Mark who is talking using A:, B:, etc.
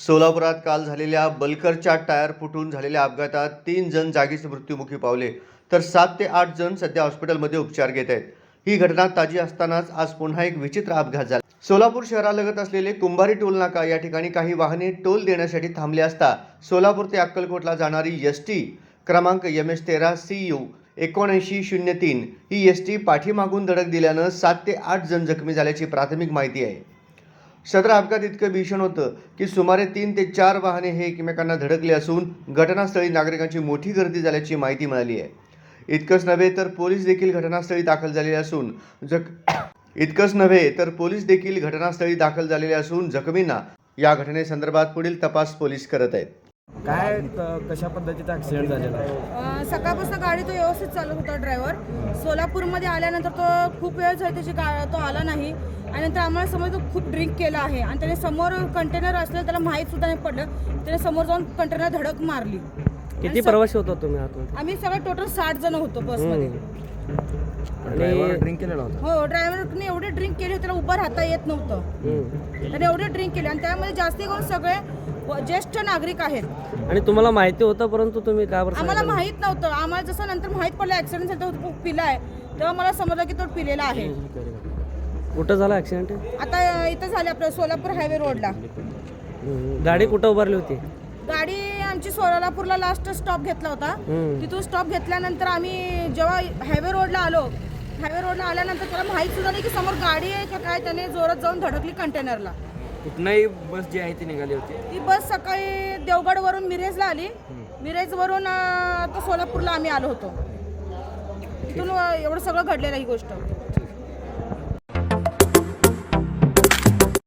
A: सोलापुरात काल झालेल्या बलकरच्या टायर फुटून झालेल्या अपघातात 3 जण जागीच मृत्युमुखी पावले तर 7 ते 8 जण सध्या हॉस्पिटलमध्ये उपचार घेत आहेत। ही घटना ताजी असतानाच आज पुन्हा एक विचित्र अपघात झाला। सोलापूर शहरालगत असलेले कुंभारी टोल नाका या ठिकाणी काही वाहने टोल देण्यासाठी थांबले असता सोलापूर ते अक्कलकोटला जाणारी एसटी क्रमांक MS13 CU 7903 ही एसटी पाठीमागून धडक दिल्यानं 7 ते 8 जण जखमी झाल्याची प्राथमिक माहिती आहे। सदर अपघात इतकं भीषण होतं की सुमारे 3 ते 4 वाहने हे एकमेकांना धडकले असून घटनास्थळी नागरिकांची मोठी गर्दी झाल्याची माहिती मिळाली आहे। इतकंच नव्हे तर पोलीस देखील घटनास्थळी दाखल झालेले असून जखमींना या घटनेसंदर्भात पुढील तपास पोलीस करत आहेत।
B: काय कशा पद्धतीचा ॲक्सिडेंट झालेला आहे?
C: सकाळपासून गाडी तो व्यवस्थित चालत होता ड्रायव्हर। सोलापूरमध्ये आल्यानंतर तो खूप वेळ झाली त्याची तो आला नाही आणि नंतर आम्हाला समज तो खूप ड्रिंक केला आहे आणि त्याने समोर कंटेनर असलं त्याला माहीत सुद्धा नाही पडलं, त्याने समोर जाऊन कंटेनर धडक मारली।
D: किती प्रवासी होता तुम्ही आतून?
C: आम्ही सगळे टोटल 60 जण होतो बसमध्ये।
B: ड्रायव्हर ड्रिंक केलेला होता?
C: हो, ड्रायव्हरने एवढे ड्रिंक केले त्याला उभं राहता येत नव्हतं, त्याने एवढे ड्रिंक केले आणि त्यामध्ये जास्ती करून सगळे ज्येष्ठ नागरिक आहेत।
D: आणि तुम्हाला माहिती होतं परंतु तुम्ही का बरं?
C: आम्हाला माहित नव्हतं, आम्हाला जसं नंतर माहित पडलं ॲक्सिडेंट झाला तो पिला आहे तेव्हा मला समजलं की तो पिलेला आहे।
D: कुठं झाला ॲक्सिडेंट?
C: आता इथं झाले आपल्या सोलापूर हायवे रोडला।
D: गाडी कुठं उभारली होती?
C: गाडी आमची सोलापूरला लास्ट स्टॉप घेतला होता, तिथून स्टॉप घेतल्यानंतर आम्ही जेव्हा हायवे रोडला आल्यानंतर त्याला माहीत सुद्धा नाही की समोर गाडी आहे का काय, त्याने जोरात जाऊन धडकली कंटेनरला।
B: कुठनंही बस जी आहे ती निघाली होती?
C: ती बस सकाळी देवगडवरून मिरेजला आली, मिरेजवरून आता सोलापूरला आम्ही आलो होतो, तिथून एवढं सगळं घडलेलं ही गोष्ट।